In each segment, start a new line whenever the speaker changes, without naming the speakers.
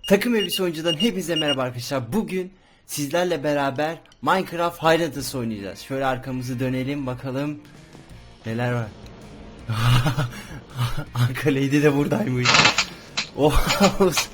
Takım Elbise Oyuncu'dan hepinize merhaba arkadaşlar. Bugün sizlerle beraber Minecraft Highlanders oynayacağız. Şöyle arkamızı dönelim bakalım neler var. Anka Lady de buradaymış. Oğuz.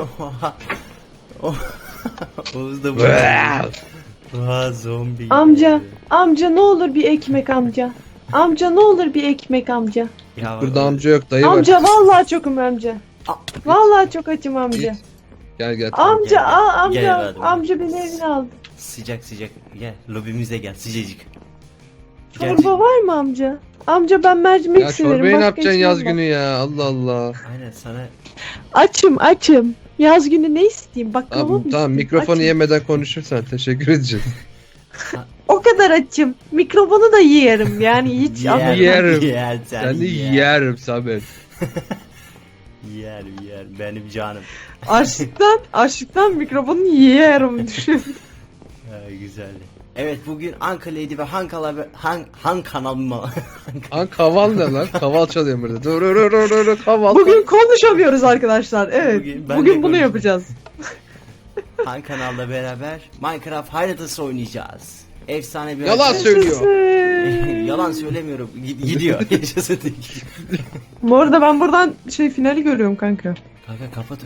Oğuz da burada. Zombi.
Amca ne olur bir ekmek amca. Amca ne olur bir ekmek amca.
Ya,
Burada amca yok, dayı
Amca
var.
vallahi çokum amca. Vallahi çok açım amca.
Gel.
Amca
Gel,
amca
gel evladım.
amca beni evine aldı.
sıcak gel lobimize gel sıcacık.
Çorba var mı amca? Amca ben mercimek
Ya
severim.
çorbayı ne
başka
yapacaksın
içmem
yaz
ben.
günü ya? Allah Allah.
Aynen sana.
Açım. Yaz günü ne isteyeyim? Baklava mı
Tamam,
isteyeyim?
mikrofonu
Açım.
yemeden konuşursan teşekkür edeceğiz.
O kadar açım. Mikrofonu da yerim yani hiç
Yerim.
Yer,
Seni yerim Samet.
Yer benim canım.
Açlıktan mikrofonu yerim düşün.
Güzeldi. Evet bugün Anka Lady ve Han kanal mı?
Kaval ne lan? Kaval çalıyorum burada. Dur kaval.
Bugün konuşamıyoruz arkadaşlar. Evet.
Bugün ben de
Bugün bunu
konuşayım.
yapacağız.
Han kanalla beraber Minecraft Highlanders oynayacağız. Efsane bir
Yalan söylüyor.
Yalan söylemiyorum. Gidiyor. Yaşasın.
Bu arada ben buradan finali görüyorum kanka.
Kanka kapat.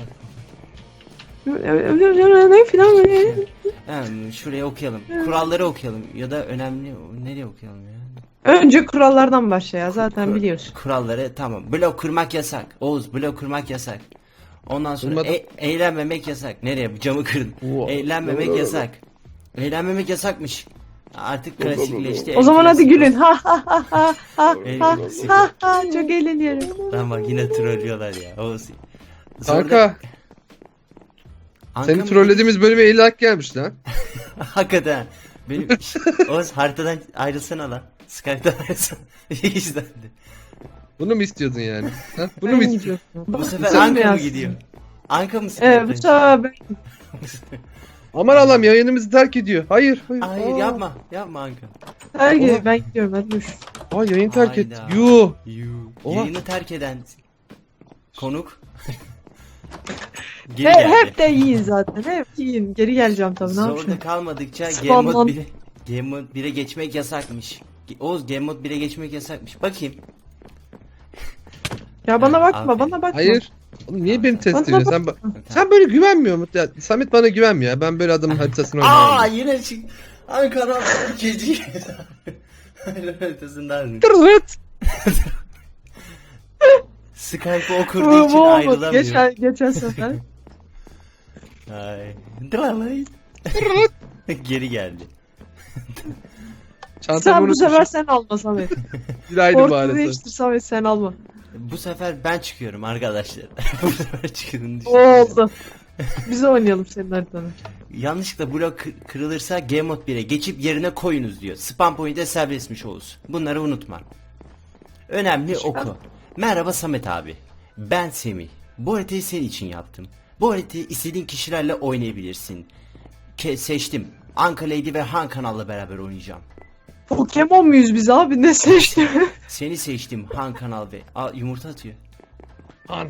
Ne filan böyle.
Şuraya okuyalım. Kuralları okuyalım ya da önemli nereye okuyalım ya?
Önce kurallardan başla ya zaten biliyorsun.
Kuralları tamam. Blok kırmak yasak. Oğuz blok kırmak yasak. Ondan sonra
Kırmadım.
eğlenmemek yasak. Nereye? Camı kırdın.
Wow.
Eğlenmemek yasak. Eğlenmemek yasakmış. Artık klasikleşti.
O zaman hadi gülün. Ha
En
ha çok eğleniyorum.
Lan bak yine trollüyorlar ya. Oğuz.
Kanka
Anka
seni
mı?
trollediğimiz bölüme 50 hak gelmiş lan.
Hakikaten. Benim Oğuz haritadan ayrılsana lan. Skype'dan ayrılsana. İzlendi.
Bunu mu istiyordun yani? Ha? Bunu mu istiyordun?
Bu sefer
Sen mi
Anka mı
yazsın?
gidiyor? Anka mı
Evet bu sefer ben.
Aman Allah'ım yayınımızı terk ediyor. Hayır.
Hayır
Aa.
yapma
Her
Oha.
gün ben gidiyorum hadi dur.
Aa yayın terk etti.
Hayda.
Yuh. Oha.
Yayını terk eden konuk geri geldi.
Hep de yiyin zaten. Hep yiyin. Geri geleceğim tabii ne
Zorda
yapayım.
kalmadıkça
Spamlan.
Game Mode 1'e geçmek yasakmış. Oğuz Game Mode 1'e geçmek yasakmış. Bakayım.
Ya bana bakma
Aferin.
bana bakma.
Hayır. Oğlum niye beni test
Bana
ediyorsun? Sen böyle güvenmiyor musun? Ya, Samet bana güvenmiyor ya. Ben böyle adamın haritasını
Aa
oynamam.
yine çık. Ankara ikinci. Haritasından.
Tırırt.
Skype'ı okurduğu için
Bu
ayrılamıyor.
geçen sefer.
Ay. Dralay. Geri geldi.
Çantamı
Sen bu
unutmuşum.
sefer sen alma Samet.
Gülaydı
Korku
bari.
değiştir Samet sen alma.
Bu sefer ben çıkıyorum arkadaşlar. Bu sefer çıkıyorum.
Oldu. Biz oynayalım senin haritanı.
Yanlışlıkla blok kırılırsa Game Mode 1'e geçip yerine koyunuz diyor. Spam point'e serbestmiş Oğuz. Bunları unutma. Önemli oku. Merhaba Samet abi. Ben Semih. Bu haritayı senin için yaptım. Bu haritayı istediğin kişilerle oynayabilirsin. Seçtim. Anka Lady ve Han kanalla beraber oynayacağım.
Pokemon muyuz biz abi ne seçti?
Seni seçtim Han kanal ve... Aa yumurta atıyor.
Han.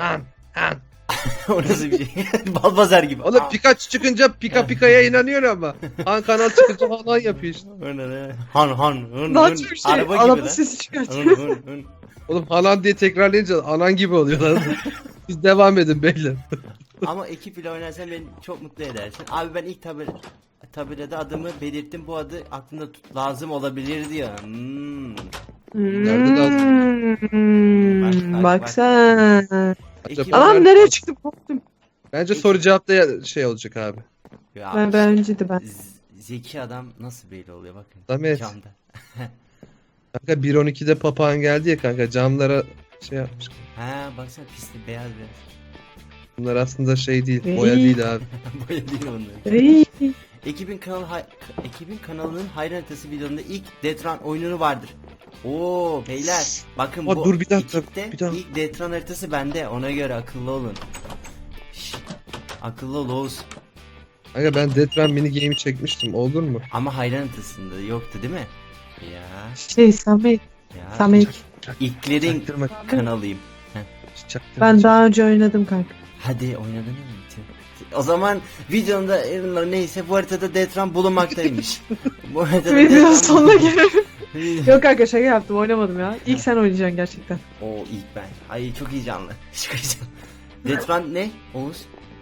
O nasıl bir şey? Balbazar gibi.
Oğlum
Aa.
Pikachu çıkınca Pika'ya inanıyor ama. Han kanal çıkınca Han yapıyor işte.
Han.
Daha çok şey.
Araba gibi
Araba
lan.
sesi çıkartıyor.
Hın.
Oğlum Halan diye tekrarlayınca anan gibi oluyor lan. Siz devam edin beyler.
Ama ekip ile oynarsan beni çok mutlu edersin. Abi ben ilk tabelada adımı belirttim. Bu adı aklında lazım olabilir diyor.
Nerede
Bak.
Bak sen.
Ekip...
Anam nereye çıktım korktum.
Bence soru cevapta şey olacak abi.
Ya,
Ben önceydi ben.
Zeki adam nasıl belli oluyor bakın.
Samet.
Camda.
Kanka 1.12'de papağan geldi ya kanka camlara şey yapmış.
Ha baksana pisli beyaz.
Bunlar aslında şey değil,
Ey.
boya değil abi.
Boya değil onlar.
Ey.
Ekibin kanalının hayran haritası videonunda ilk Detran oyununu vardır. Oo beyler bakın
Aa,
bu
dur bir dakika,
ekipte
bir dakika.
ilk Detran haritası bende, ona göre akıllı olun. Şşt, akıllı ol Oğuz.
Kanka ben Death Run mini game'i çekmiştim, olur mu?
Ama hayran haritasında yoktu değil mi? Ya
Samet.
ya.
Samet.
İlklerin
Çaktırma,
kanalıyım.
çaktırma.
Ben daha önce oynadım kanka.
Hadi oynadın mı? O zaman videonun ürünleri neyse bu haritada Detran bulunmaktaymış. Bu haritada
Videonun
Detran-
sonuna gelelim. Yok kanka şaka yaptım oynamadım ya. İlk sen oynayacaksın gerçekten.
Oo ilk ben. Ay çok heyecanlı. Çok heyecanlı. Detran ne? Oğuz.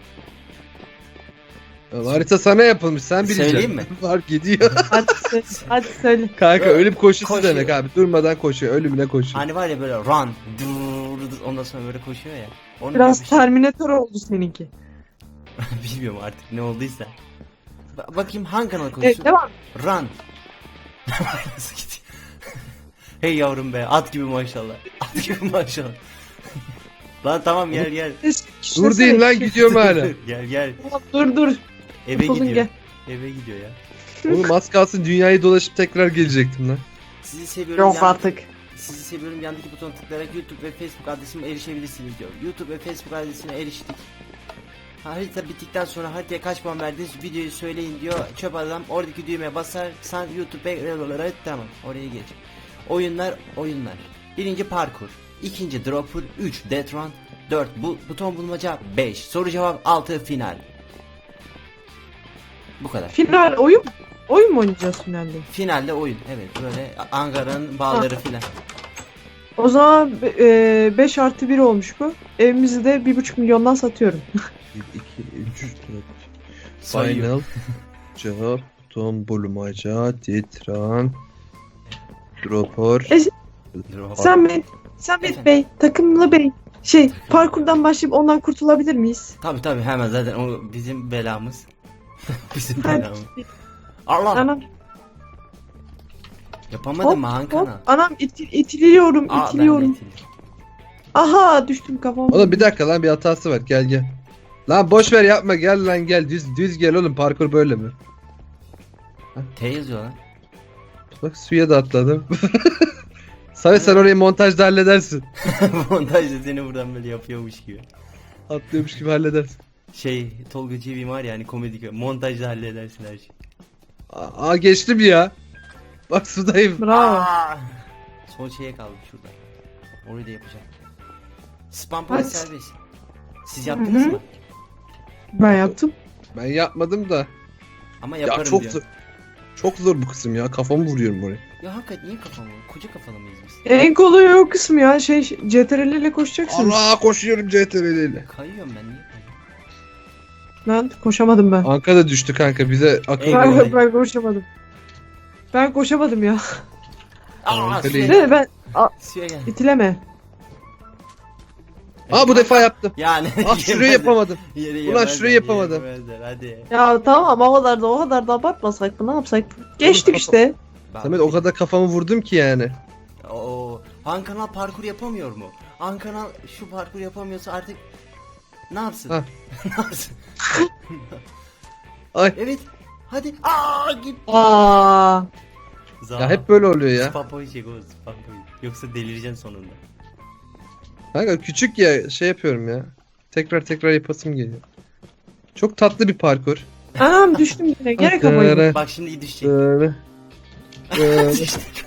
Harita sana yapılmış sen bileceksin.
Söyleyeyim mi?
Var gidiyor.
Hadi söyle. Hadi söyle.
Kanka ölüm koşusu
Koşuyor.
demek abi. Durmadan koşuyor. Ölümüne koşuyor.
Hani var ya böyle run. Dur, ondan sonra böyle koşuyor ya. Onu
Biraz
demiş.
Terminator oldu seninki.
Bilmiyorum artık ne olduysa. Bakayım hangi kanal
Evet
konuşuyor?
devam.
Run. Nasıl gidiyor? Hey yavrum be at gibi maşallah. At gibi maşallah. Lan tamam gel.
Dur deyin lan gidiyorum hala.
gel.
Dur.
Eve
Oturdun
gidiyor.
gel.
Eve gidiyor ya.
Oğlum az kalsın dünyayı dolaşıp tekrar gelecektim lan.
Sizi seviyorum.
Yok artık.
Sizi seviyorum. Yandaki butona tıklayarak YouTube ve Facebook adresime erişebilirsiniz diyor. YouTube ve Facebook adresine eriştik. Harita bittikten sonra haritaya kaç puan verdiniz videoyu söyleyin diyor. Çöp adam oradaki düğmeye basarsan YouTube'a tamam oraya geç. Oyunlar. Birinci parkur. İkinci dropper. 3 death run. 4 buton bulmaca. 5 soru cevap. 6 final. Bu kadar.
Final oyun. Oyun mu oynayacağız finalde?
Finalde oyun. Evet böyle Ankara'nın bağları filan.
O zaman 5 artı 1 olmuş bu. Evimizi de 1,5 milyondan satıyorum.
1, 2, 3, 4.
Sayıyor.
Final. Cevap. Buton bulmaca. Titran. Dropper.
Drop.
Samet
Efendim?
Bey, takımlı bey. Parkurdan başlayıp ondan kurtulabilir miyiz?
Tabi hemen zaten o bizim belamız. Bizim
Hadi.
belamız. Allah.
Anam,
Yapamadım mı Han
hop,
kanal?
anam itiliyorum.
Aa, ben de itildim.
Aha düştüm kafam.
Oğlum bir dakika lan bir hatası var. Gel. Lan boş ver yapma gel lan gel. Düz gel oğlum parkur böyle mi?
T yazıyor lan.
Bak suya da atladım. Samet sen orayı montajda halledersin.
Montajda seni buradan böyle yapıyormuş gibi.
Atlıyormuş gibi halledersin.
Tolga Çevik'in var ya hani komedi montajda halledersin her şeyi.
Aa geçtim ya. Bak sudayım.
Bravo.
Aa! Son şeye kaldık şurada. Orayı da yapacağım. Spam point
Hadi.
serbest. Siz yaptınız
Hı hı.
mı?
Ben yaptım.
Ben yapmadım da.
Ama
Ya
yaparım
çok
diyor.
zor. Çok zor bu kısım ya. Kafamı vuruyorum oraya.
Ya hakikaten niye kafam var? Koca kafalı mıyız biz?
En kolay o kısmı ya. CTRL ile koşacaksınız.
Allah koşuyorum CTRL ile.
Kayıyorum ben niye kayıyorum?
Ben koşamadım ben.
Anka da düştü kanka bize akıl
Eyvallah.
ver.
Ben koşamadım. Ben koşamadım ya.
Aa
Öyle
suya
değil.
gel.
Ben
Suya gel.
itileme.
Aa bu defa yaptım.
Yani.
Ah şurayı yapamadım. Ulan şurayı yapamadım.
Hadi.
Ya tamam o kadar da abartmasak mı ne yapsak? Geçtik
kafa-
işte.
Samet o kadar kafamı vurdum ki yani.
Oo, Han kanal parkur yapamıyor mu? Han kanal şu parkur yapamıyorsa artık ne yapsın?
Ha.
Ne yapsın?
Ay
Evet. Hadi. Aa git.
Aa.
ya hep böyle oluyor ya.
Spapoy çek o spapoy. Yoksa delireceksin sonunda.
Kanka küçük ya şey yapıyorum ya. Tekrar yapasım geliyor. Çok tatlı bir parkur.
Anam düştüm yine. Gene kafayı.
Bak şimdi düşecek.
Böyle. Böyle.
Düştük.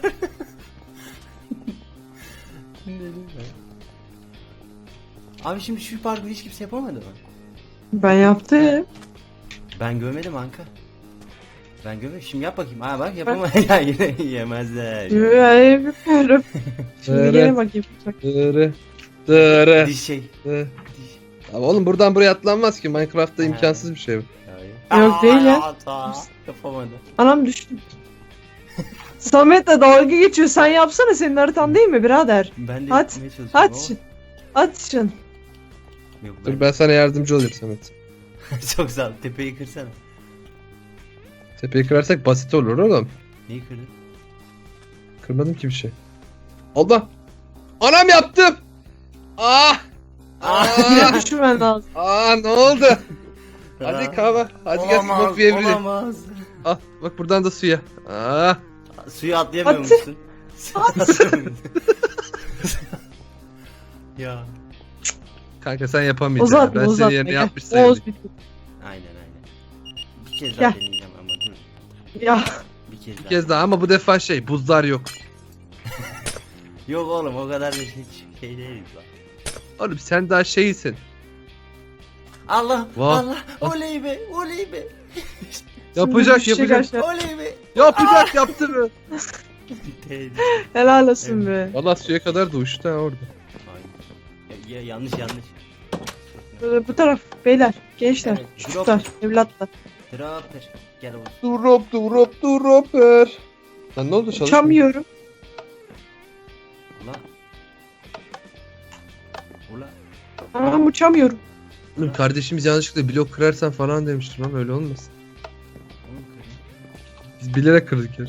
Abi şimdi şu parkuru hiç kimse yapamadı mı?
Ben yaptım.
Ben görmedim Anka. Ben görmedim. Şimdi yap bakayım. Aa bak yapamadı. Ya yine yemezler.
Yapıyorum. Şimdi
Dırı.
gene bakayım. Bak.
Dırı.
Diş şey.
Dırı.
Diş.
Abi oğlum buradan buraya atlanmaz ki. Minecraft'ta imkansız bir şey bu.
Yok değil ya.
Yapamadı.
Anam düştüm. Samet'le dalga geçiyor. Sen yapsana senin haritan değil mi birader?
Ben de
At,
yapmaya çalışıyorum
At
ama-
şun. At şun.
Yok,
Dur ben sana yardımcı olayım Samet.
Çok sağ ol. Tepeyi kırsana.
Tepeyi kırarsak basit olur oğlum.
Niye kırdın?
Kırmadım ki bir şey. Allah! Anam yaptım! Ah!
Yine
Ah!
düşürmen lazım.
Ne oldu? Hadi kahve. Hadi gel smoke bir evrilelim.
Olamaz.
Ah bak buradan da suya. Ah!
Suyu atlayamıyor
At.
musun? Ya.
Kanka sen yapamayacaksın.
Uzatma
Ben
uzatma.
senin yerine
Gel.
yapmış sayılırım.
Oğuz bitti.
Aynen. Bir kez daha
Gel.
deneyeceğim ama dur.
Ya.
Bir kez
Bir
daha.
kez daha ama bu defa buzlar yok.
Yok oğlum o kadar da şey değiliz lan.
Oğlum sen daha şeysin.
Allah
Vah.
Allah oley be oley be.
Yapacak
düşecek
yapacak.
aşağı.
Oley be.
Yapacak yaptı mı?
Helal olsun be.
Valla suya kadar da uçtu ha orada.
Ya, yanlış.
Bu taraf beyler, gençler,
Evet,
çocuklar, evlatlar.
Dropper. Gel oğlum.
Dropper. Lan ne oldu çalışmıyor?
Uçamıyorum.
Ula. Ula.
Ama uçamıyorum.
Oğlum kardeşimiz yanlışlıkla blok kırarsan falan demiştim ama öyle olmasın.
Oğlum kırayım.
Biz bilerek kırdık ya.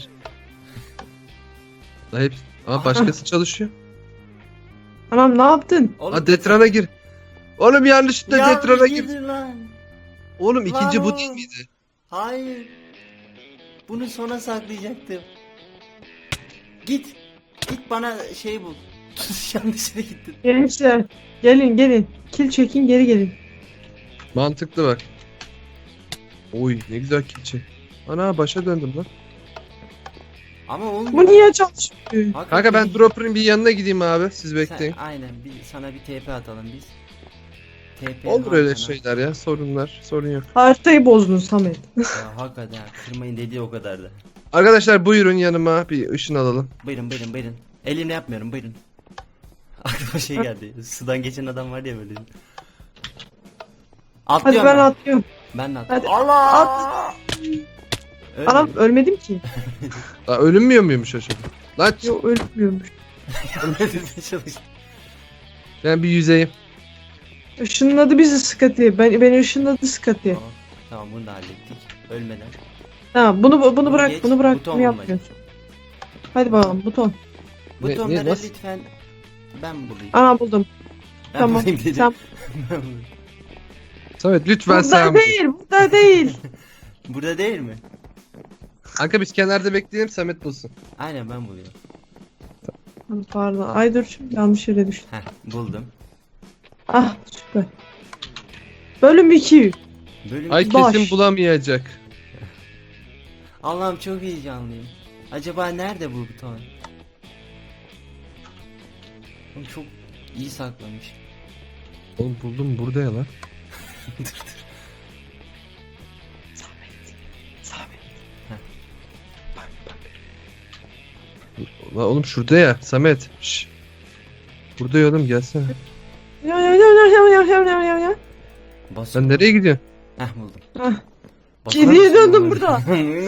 Lan hep... Ama başkası çalışıyor.
Anam ne yaptın?
Oğlum,
Ha Detran'a gir. Oğlum yanlışlıkla
yanlış
Detran'a gir.
girdin lan.
Oğlum ikinci
Lan
bu
oğlum.
değil miydi?
Hayır. Bunu sona saklayacaktım. Git. Git bana şey bul. Yanlış yere gittin.
Gençler, gelin. Kil çekin, geri gelin.
Mantıklı bak. Oy ne güzel keçi. Ana başa döndüm lan.
Ama oğlum.
Bu niye çalışmıyor?
Kanka ben Dropper'ın bir yanına gideyim abi. Siz bekleyin.
Aynen sana bir TP atalım biz. TP
Olur öyle
Hakan'a.
şeyler ya. Sorunlar. Sorun yok.
Haritayı bozdun Samet.
Ya hakikaten kırmayın dediği o kadar da.
Arkadaşlar buyurun yanıma bir ışın alalım.
Buyurun. Elimle yapmıyorum buyurun. Aklıma şey geldi. Sudan geçen adam var ya böyle.
Hadi
Atlıyorum
ben atlıyorum.
Ben de atlıyorum.
Hadi.
Allah! Ölmedim.
Anam ölmedim ki.
Aa, ölünmüyor muymuş acaba? Lan
Yok ölmüyormuş.
Çalış.
ben bir yüzeyim.
Işınladı bizi Scotty. Beni ışınladı Scotty.
Tamam bunu da hallettik. Ölmeden.
Tamam bunu bırak,
geç,
bunu bırak.
buton
Bunu
bulmaca.
yapmıyorsun. Hadi bakalım buton.
Butonları
nasıl?
lütfen ben bulayım.
Ana buldum.
Ben
Tamam.
bulayım dedim.
Sen
Ben bulayım.
Samet lütfen
burada
sen bul.
değil, burada değil.
Burada değil mi?
Kanka biz kenarda bekleyelim Samet bulsun.
Aynen ben buluyorum.
Pardon. Ay dur şimdi yanlış yere düştüm.
Heh buldum.
Ah süper. Bölüm 2.
Bölüm
Ay
Baş.
kesin bulamayacak.
Allah'ım çok heyecanlıyım. Acaba nerede bu buton? Oğlum çok iyi saklamış.
Oğlum buldum burada ya lan.
Samet.
Lan oğlum şurada ya Samet. Şş. Burada ya oğlum gelsene.
Ya.
Bas.
Sen nereye gidiyorsun?
Heh buldum.
Ah,
Basar
Geriye
mısın
döndüm
bana?
burada.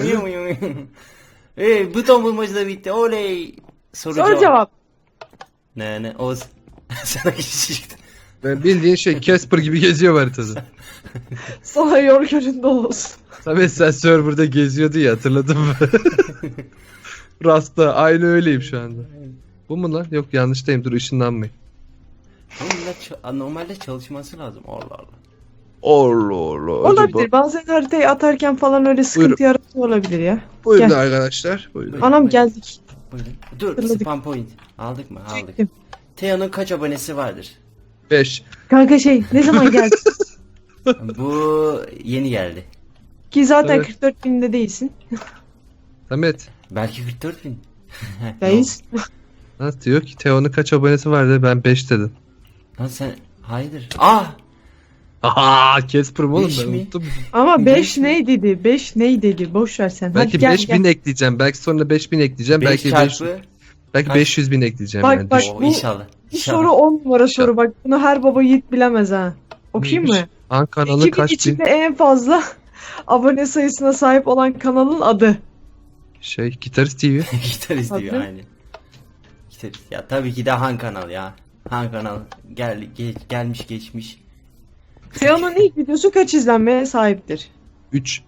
Buton bulmacı da bitti. Oley.
Soru cevap.
Ne Oğuz. Sana geçecektim.
Ben bildiğin şey Casper gibi geziyor haritada.
Sana yol göründe olsun.
Samet sen serverda geziyordu ya hatırladın mı? Rasta aynı öyleyim şu anda. Bu mu lan? Yok yanlıştayım dur ışınlanmayın.
Normalde çalışması lazım. Allah Allah.
Allah Allah.
Olabilir. Bazen haritayı atarken falan öyle sıkıntı yaratıyor olabilir ya.
Buyurun
Gel.
arkadaşlar. Buyurun.
Anam geldik.
Buyurun. Dur
Hatırladık.
spam point. Aldık mı? Aldık.
Çektim.
Teo'nun kaç abonesi vardır?
5.
Kanka ne zaman geldi?
Bu yeni geldi.
Ki zaten
Evet.
44 binde değilsin.
Samet.
Belki 44 bin.
Değilsin.
Nasıl diyor ki Teo'nun kaç abonesi vardı ben 5 dedim.
Lan sen hayırdır? Ah!
Aha Casper mı oğlum
Beş
ben
mi?
unuttum.
Ama
Beş
5 ney dedi? 5 ney dedi? Boş ver sen.
Belki
Hadi gel,
5000
gel.
ekleyeceğim. Belki sonra 5000 ekleyeceğim.
5
belki 5
çarpı.
belki
kaç?
500 bin ekleyeceğim
Bak,
yani.
bak.
Düşün.
Oo,
bu-
inşallah.
Bu
İnşallah.
soru 10 numara soru. Bak bunu her baba yiğit bilemez ha. Okuyayım
Neymiş?
mı?
Han kanalı
2000
kaç bin?
içinde en fazla abone sayısına sahip olan kanalın adı.
Gitarist TV.
Gitarist diyor
Adı?
aynen. Gitarist. Ya tabii ki de Han Kanal ya. Han Kanal gelmiş geçmiş.
Teo'nun ilk videosu kaç izlenmeye sahiptir?
3.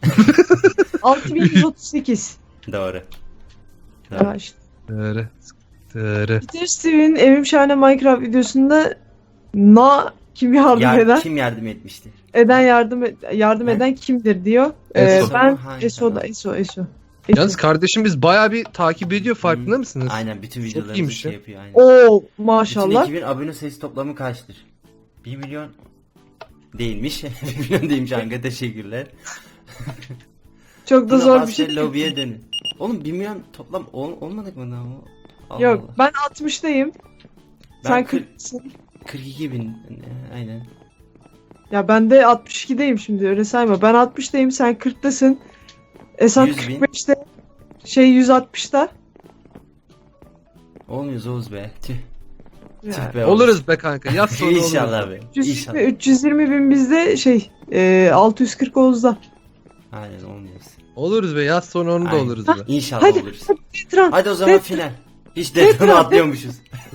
6138.
Doğru.
Ya işte.
Dere. Dere.
Peter Steve'in Evim Şahane Minecraft videosunda kim yardım eder?
Kim yardım etmişti?
Yardım
Ne?
eden kimdir diyor.
Eso.
Ben
Hangi
Eso'da
kanal?
Eso.
Yalnız kardeşimiz bayağı bir takip ediyor farkında mısınız?
Aynen bütün videolarımızı
iyiymiş
şey
ya.
yapıyor aynen.
Oo
Bütün
maşallah.
ekibin abone sayısı toplamı kaçtır? 1 milyon değilmiş. 1 milyon değilmiş Anka teşekkürler.
Çok da
Buna
zor bir
bas
şey.
ve lobiye dönün. Oğlum 1 milyon toplam olmadık mı daha? Allah
Yok
Allah.
ben 60'dayım.
Ben
Sen
40
40'sın.
42 bin aynen.
Ya ben de 62'deyim şimdi öyle sayma. Ben 60'dayım sen 40'tasın. Esat
100 bin.
45'te. Şey 160'ta.
Olmuyoruz Oğuz be. Tüh.
Ya.
Tüh be Oğuz.
Oluruz be kanka. Yaz sonra oluruz.
İnşallah be.
320,
İnşallah.
320 bin bizde şey 640 Oğuz'da.
Aynen olmuyoruz.
Oluruz be. Yaz sonra onu da
Aynen.
oluruz be.
İnşallah
Hadi.
oluruz.
Detran.
Hadi o zaman final. Hiç detonu atlıyormuşuz.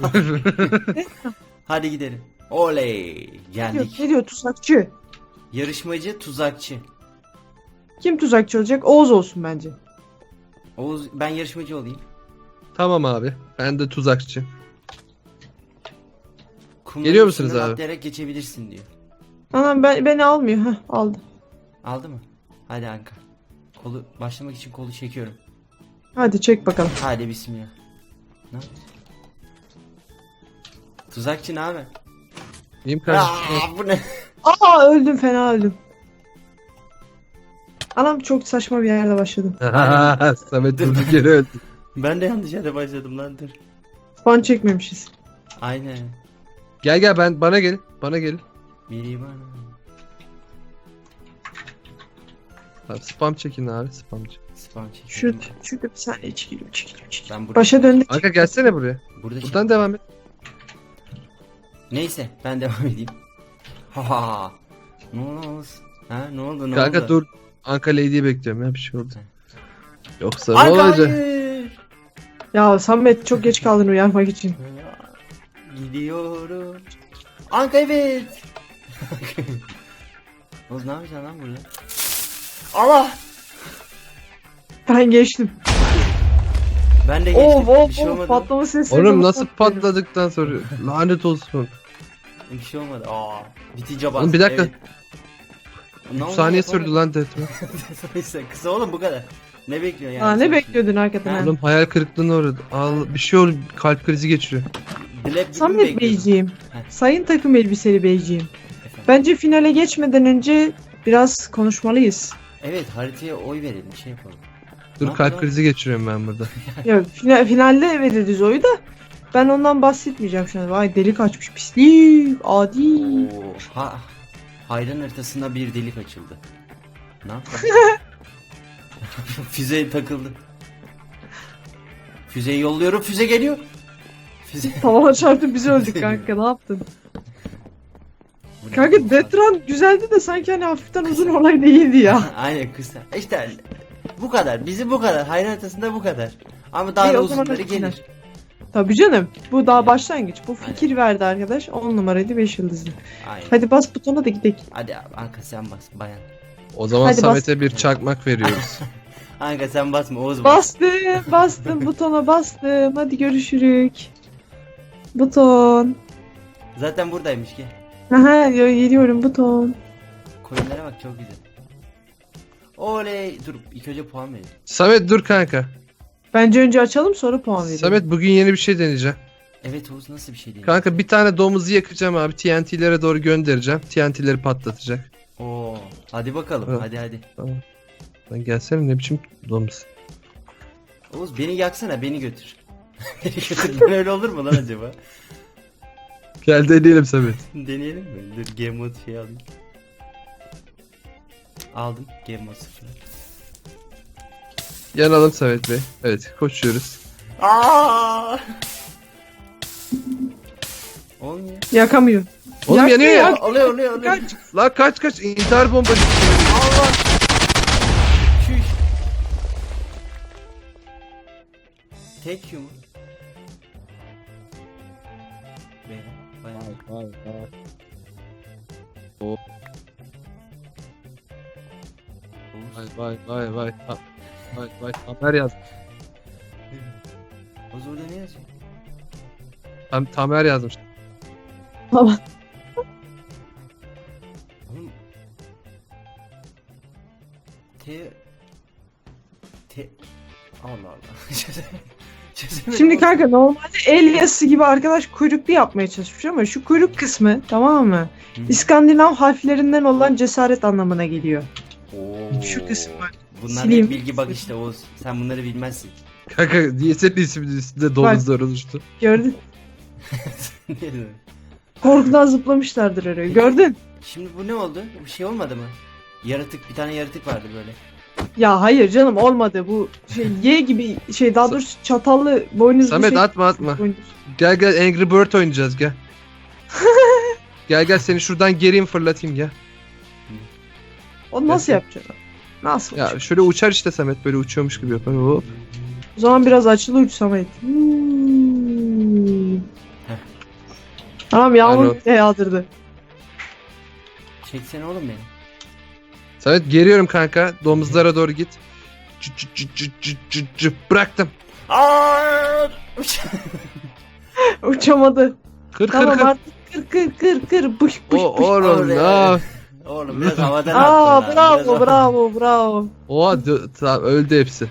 Hadi gidelim. Oley. Geldik.
Ne diyor tuzakçı?
Yarışmacı tuzakçı.
Kim tuzakçı olacak? Oğuz olsun bence.
Oğuz ben yarışmacı olayım.
Tamam abi. Ben de tuzakçı.
Kumların
Geliyor musunuz
üstünden
abi?
atlayarak geçebilirsin diyor.
Anam beni almıyor. Heh aldı.
Aldı mı? Hadi Anka. Kolu başlamak için kolu çekiyorum.
Hadi çek bakalım.
Hadi bismillah. Ne? Tuzakçı ne haber?
İyiyim kardeşim.
Aa, bu ne?
Aa öldüm fena öldüm. Anam çok saçma bir yerde başladım.
Samet durduk yere öldü.
Ben de yanlış yere başladım lan dur.
Fan çekmemişiz.
Aynen.
Gel bana gel. Bana gel.
Biri bana.
Abi, spam çekin abi spamcı.
Spam çekiyorum.
Şurada bir saniye çekiliyor.
Ben burada.
Başa döndük.
Kanka gelsene buraya.
Burada
Buradan devam et.
Neyse ben devam edeyim. Ha. Ne oldu? Ha ne oldu
Kanka
oldu?
dur. Anka Lady'yi bekliyorum ya bir şey oldu. Yoksa ne
Anka
olacak?
hayır.
Ya Samet çok geç kaldın uyarmak için.
Gidiyorum. Anka evet. Oğuz ne yapacaksın lan burada? Allah.
Ben geçtim.
Ben de geçtim.
Of
Bir şey olmadı.
patlama sesleri.
Oğlum nasıl patladıktan sonra lanet olsun.
Bir şey olmadı. Aa. Bitince bas.
Oğlum bir dakika.
Evet. Ne
3
oldu,
saniye
yapamadım.
sürdü lan deathmatch.
Neyse, kısa oğlum bu kadar. Ne bekliyorsun yani?
Aa,
sen
ne
şimdi?
bekliyordun hakikaten?
Ha.
ha?
Oğlum hayal kırıklığına uğradı. Bir şey oldu kalp krizi geçiriyor.
Black gibi mi
Samet
bekliyordun?
Beyciğim.
Heh.
Sayın takım elbiseli Beyciğim.
Efendim?
Bence finale geçmeden önce biraz konuşmalıyız.
Evet haritaya oy verelim şey yapalım.
Dur
Ne
kalp
yapalım?
krizi geçiriyorum ben burada.
Ya finalde veririz oyu da. Ben ondan bahsetmeyeceğim şu an. Vay delik açmış pislik. Adi.
Oo, hayran haritasında bir delik açıldı. Ne yaptın? Füze takıldı. Füzeyi yolluyorum füze geliyor. Füze.
Tavana çarptı biz öldük kanka ne yaptın?
Bu ne?
Kanka Detran güzeldi de sanki hani hafiften uzun olay değildi ya.
Aynen kısa. İşte bu kadar. Bizi bu kadar. Hayran haritasında bu kadar. Ama daha
İyi,
da
o zaman
uzunları
hadi final.
gelir.
Tabii canım. Bu daha başlangıç. Bu
Aynen.
fikir verdi arkadaş. 10 numaraydı 5 yıldızlı.
Aynen.
Hadi bas butona da gidelim.
Hadi abi Anka sen bas bayan.
O zaman
Hadi bas.
Samet'e bir çakmak veriyoruz.
Anka sen basma Oğuz bas.
Bastım butona bastım. Hadi görüşürük. Buton.
Zaten buradaymış ki.
Aha geliyorum buton.
Koyunlara bak çok güzel. Oley. Dur ilk önce puan verelim.
Samet dur kanka.
Bence önce açalım sonra puan verelim.
Samet bugün yeni bir şey deneyeceğim.
Evet Oğuz nasıl bir şey değil.
Kanka bir tane domuzu yakacağım abi. TNT'lere doğru göndereceğim. TNT'leri patlatacak.
Oo. Hadi bakalım.
Evet.
Hadi.
Tamam. Lan gelsene ne biçim domuz.
Oğuz beni yaksana beni götür. Beni götür. Ben öyle olur mu lan acaba?
Gel deneyelim Samet.
Deneyelim mi? Dur game mode şey alayım. Aldım game mode 0.
Yanalım Samet Bey. Evet koşuyoruz.
Aa! Olmuyor.
Yakamıyor.
Oğlum
Yak-
yanıyor ya.
yak-
Oluyor.
Kaç.
Lan kaç intihar bombası.
Allah. Şuş. Tek yumruk. Beyler, bayağı. Oğuz.
Vay. Vay Tamer yaz.
Oğuz orada ne yazıyor?
Tamer yazmış.
Tamam.
Oğlum. Allah Allah. Çözemedim.
Şimdi kanka normalde el yazısı gibi arkadaş kuyruklu yapmaya çalışmış ama şu kuyruk kısmı tamam mı?
Hı.
İskandinav harflerinden olan cesaret anlamına geliyor.
Oo.
Şu kısım bak.
Bunlar
Sileyim.
hep bilgi bak işte Oğuz. Sen bunları bilmezsin.
Kanka niye senin isminin üstünde domuzlar oluştu?
Gördün. Korkudan zıplamışlardır oraya. Gördün.
Şimdi bu ne oldu? Bir şey olmadı mı? Yaratık, bir tane yaratık vardı böyle.
Ya hayır canım olmadı bu şey Y gibi şey daha doğrusu çatallı boynuzlu
Samet
şey.
atma atma.
Boynuz.
Gel gel Angry Bird oynayacağız gel. Gel gel seni şuradan geriye fırlatayım gel.
O nasıl
Gel.
yapacaksın? Nasıl?
Ya şöyle uçar işte Samet böyle uçuyormuş gibi yapar. Hop.
O zaman biraz açılı uç Samet.
Heh.
Tamam yağmur
Alo.
bile yağdırdı.
Çeksene oğlum beni.
Samet geriyorum kanka. Domuzlara doğru git. Bıraktım.
Aa!
Uçamadı.
Kır
Tamam
kır kır.
artık kır. Bış bış
O
bış.
oğlum
Oraya.
ne?
Oğlum biraz havadan
Aa
attın ha, biraz
bravo.
Oha tamam öldü hepsi.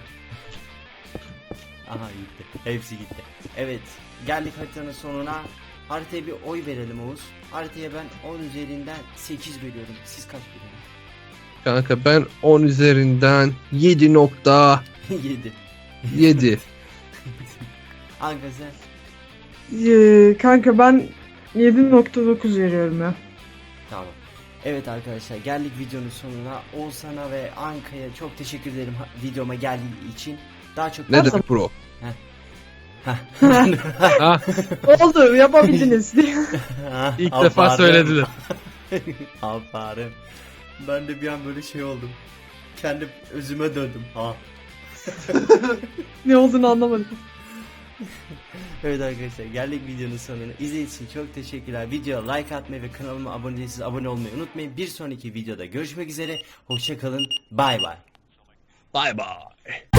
Aha gitti. Hepsi gitti. Evet. Geldik haritanın sonuna. Haritaya bir oy verelim Oğuz. Haritaya ben 10 üzerinden 8 veriyorum. Siz kaç veriyorsunuz?
Kanka ben 10 üzerinden 7.7.
7. Anka sen?
Kanka ben 7.9 veriyorum ya.
Tamam. Evet arkadaşlar geldik videonun sonuna. Oğuzhan'a ve Anka'ya çok teşekkür ederim videoma geldiği için. Daha çok
Ne demek bro? Ha,
Oldu yapabildiniz.
ilk defa söylediler.
Aferin. Ben de bir an böyle şey oldum. Kendi özüme döndüm. Ha.
Ne olduğunu anlamadım.
Evet arkadaşlar geldik videonun sonuna. İzlediğiniz için çok teşekkürler. Videoya like atmayı ve kanalıma abone değilseniz abone olmayı unutmayın. Bir sonraki videoda görüşmek üzere. Hoşça kalın. Bay bay.
Bye bye.